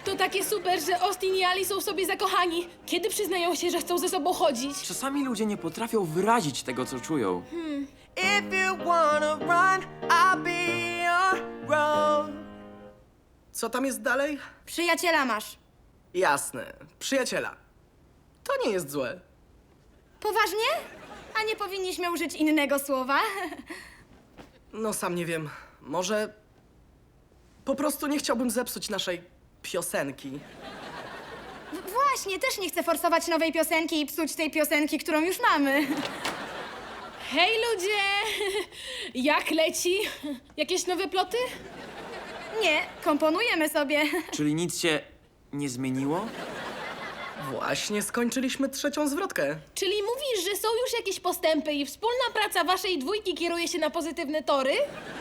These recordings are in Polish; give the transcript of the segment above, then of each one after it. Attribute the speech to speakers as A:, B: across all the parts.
A: To takie super, że Austin i Ali są w sobie zakochani. Kiedy przyznają się, że chcą ze sobą chodzić?
B: Czasami ludzie nie potrafią wyrazić tego, co czują.
C: If you wanna run, I'll be your road. Co tam jest dalej?
D: Przyjaciela masz.
C: Jasne, przyjaciela. To nie jest złe.
D: Poważnie? A nie powinniśmy użyć innego słowa?
C: No sam nie wiem. Może po prostu nie chciałbym zepsuć naszej piosenki.
D: Właśnie, też nie chcę forsować nowej piosenki i psuć tej piosenki, którą już mamy.
A: Hej ludzie! Jak leci? Jakieś nowe ploty?
D: Nie, komponujemy sobie.
B: Czyli nic się nie zmieniło?
C: Właśnie skończyliśmy trzecią zwrotkę.
A: Czyli mówisz, że są już jakieś postępy i wspólna praca waszej dwójki kieruje się na pozytywne tory?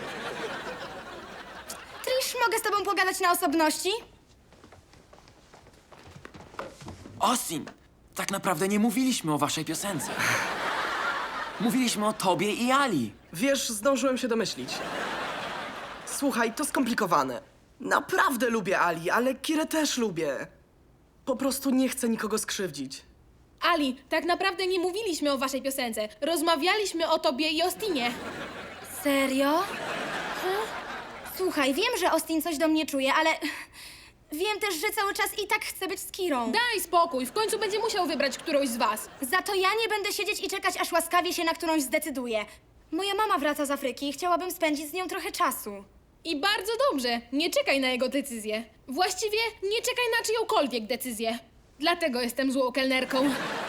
D: Trish, mogę z tobą pogadać na osobności?
B: Austin, tak naprawdę nie mówiliśmy o waszej piosence. Mówiliśmy o tobie i Ali.
C: Wiesz, zdążyłem się domyślić. Słuchaj, to skomplikowane. Naprawdę lubię Ali, ale Kirę też lubię. Po prostu nie chcę nikogo skrzywdzić.
A: Ali, tak naprawdę nie mówiliśmy o waszej piosence. Rozmawialiśmy o tobie i Austinie.
D: Serio? Słuchaj, wiem, że Austin coś do mnie czuje, ale wiem też, że cały czas i tak chcę być z Kirą.
A: Daj spokój, w końcu będzie musiał wybrać którąś z was.
D: Za to ja nie będę siedzieć i czekać, aż łaskawie się na którąś zdecyduje. Moja mama wraca z Afryki i chciałabym spędzić z nią trochę czasu.
A: I bardzo dobrze, nie czekaj na jego decyzję. Właściwie nie czekaj na czyjąkolwiek decyzję. Dlatego jestem złą kelnerką.